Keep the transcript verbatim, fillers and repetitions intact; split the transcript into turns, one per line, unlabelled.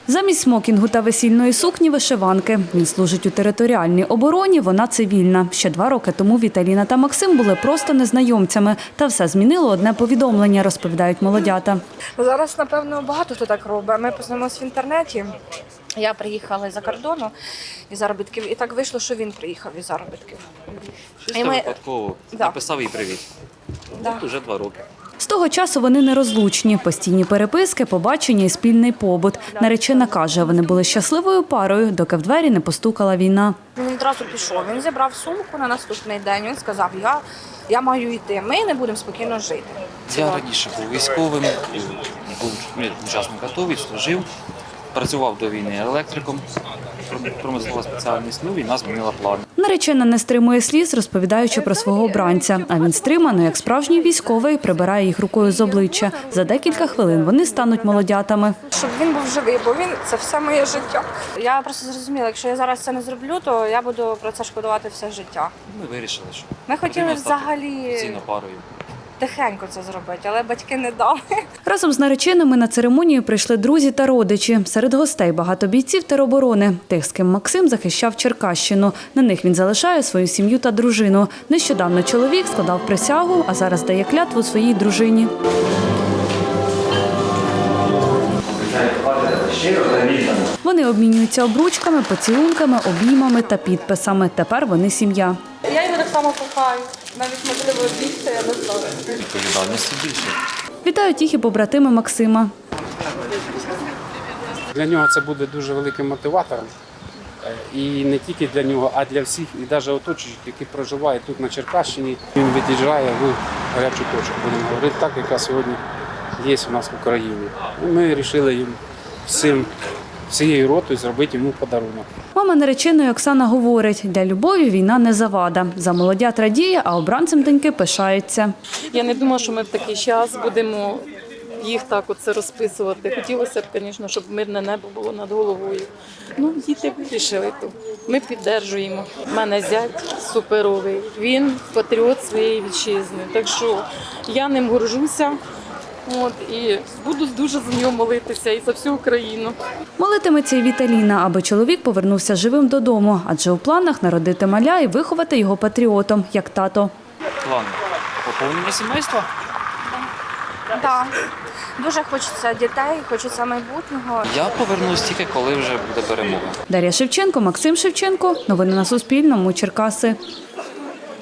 Замість смокінгу та весільної сукні – вишиванки. Він служить у територіальній обороні, вона цивільна. Ще два роки тому Віталіна та Максим були просто незнайомцями. Та все змінило одне повідомлення, розповідають молодята.
Зараз, напевно, багато хто так робить. Ми познайомилися в інтернеті. Я приїхала із-за кордону, із заробітків, і так вийшло, що він приїхав із заробітків.
Чисто ми... випадково
да.
написав їй привіт.
Да.
От уже два роки.
З того часу вони нерозлучні. Постійні переписки, побачення і спільний побут. Наречена каже, вони були щасливою парою, доки в двері не постукала війна.
Він одразу пішов, він зібрав сумку на наступний день, він сказав, я, я маю йти, ми не будемо спокійно жити.
Я раніше був військовим, був учасник АТО, служив, працював до війни електриком, промислова спеціальність, ну війна змінила плани.
Наречена не стримує сліз, розповідаючи про свого обранця. А він стримано, як справжній військовий, прибирає їх рукою з обличчя. За декілька хвилин вони стануть молодятами.
Щоб він був живий, бо він – це все моє життя. Я просто зрозуміла, якщо я зараз це не зроблю, то я буду про це шкодувати все життя.
Ми вирішили, що
Ми хотіли взагалі
офіційно парою.
тихенько це зробити, але батьки не дали.
Разом з нареченими на церемонію прийшли друзі та родичі. Серед гостей багато бійців тероборони. Тих, з ким Максим захищав Черкащину. На них він залишає свою сім'ю та дружину. Нещодавно чоловік складав присягу, а зараз дає клятву своїй дружині. Вони обмінюються обручками, поцілунками, обіймами та підписами. Тепер вони сім'я.
Я його так само кохаю. Навіть, можливо, більше, я не знаю.
Відповідальності більше.
Вітають їх і побратими Максима.
Для нього це буде дуже великим мотиватором. І не тільки для нього, а для всіх, і навіть оточуючих, які проживають тут на Черкащині. Він від'їжджає в гарячу точку, будемо говорити так, яка сьогодні є у нас в Україні. І ми вирішили їм всім, всією ротою зробити йому подарунок.
Мама нареченої Оксана говорить, для любові війна не завада. За молодят радіє, а обранцем доньки пишається.
Я не думала, що ми в такий час будемо їх так оце розписувати. Хотілося б, звісно, щоб мирне небо було над головою. Ну, діти вирішили то. Ми підтримуємо. У мене зять суперовий. Він патріот своєї вітчизни. Так що я ним горжуся. От, і буду дуже за нього молитися і за всю Україну.
Молитиметься і Віталіна, аби чоловік повернувся живим додому, адже у планах народити маля і виховати його патріотом, як тато.
План поповнення сімейства?
Так. Дуже хочеться дітей, хочеться майбутнього.
Я повернусь тільки, коли вже буде перемога.
Дар'я Шевченко, Максим Шевченко. Новини на Суспільному. Черкаси.